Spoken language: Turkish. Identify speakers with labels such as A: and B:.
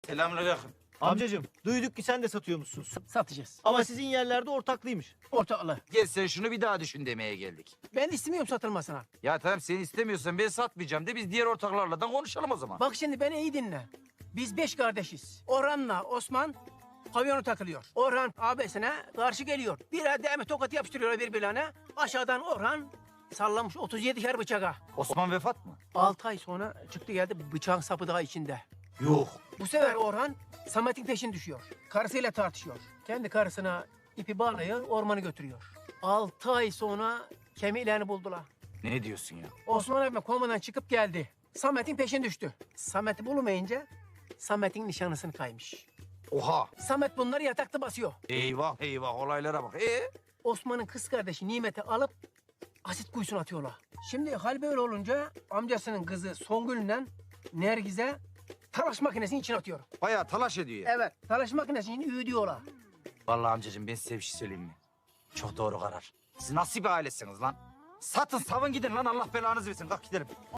A: Selamünaleyküm.
B: Amcacığım duyduk ki sen de satıyormuşsun.
C: Satacağız.
B: Ama sizin yerlerde ortaklıymış.
C: Ortaklı.
A: Gel sen şunu bir daha düşün demeye geldik.
C: Ben istemiyorum satılmasına.
A: Ya tamam sen istemiyorsan ben satmayacağım de biz diğer ortaklarla da konuşalım o zaman.
C: Bak şimdi beni iyi dinle. Biz 5 kardeşiz. Orhan'la Osman pavyonu takılıyor. Orhan abisine karşı geliyor. Bir ademe tokat yapıştırıyor birbirlerine. Aşağıdan Orhan sallamış 37'şer bıçağa.
A: Osman vefat mı?
C: 6 ay sonra çıktı geldi bıçağın sapı daha içinde.
A: Yok.
C: Bu sefer Orhan Samet'in peşine düşüyor. Karısıyla tartışıyor. Kendi karısına ipi bağlıyor, ormanı götürüyor. 6 ay sonra kemiklerini buldular.
A: Ne diyorsun ya?
C: Osman abime komadan çıkıp geldi. Samet'in peşine düştü. Samet'i bulmayınca Samet'in nişanlısını kaymış.
A: Oha.
C: Samet bunları yatakta basıyor.
A: Eyvah eyvah olaylara bak.
C: Osman'ın kız kardeşi Nimet'i alıp asit kuyusuna atıyorlar. Şimdi hal böyle olunca amcasının kızı Songül'le Nergiz'e talaş makinesinin içine atıyor.
A: Bayağı talaş ediyor ya.
C: Evet, talaş makinesinin içine üğüdüyorlar.
A: Vallahi amcacığım ben size bir şey söyleyeyim mi? Çok doğru karar. Siz nasıl bir ailesiniz lan? Satın savun gidin lan Allah belanızı versin. Kalk gidelim.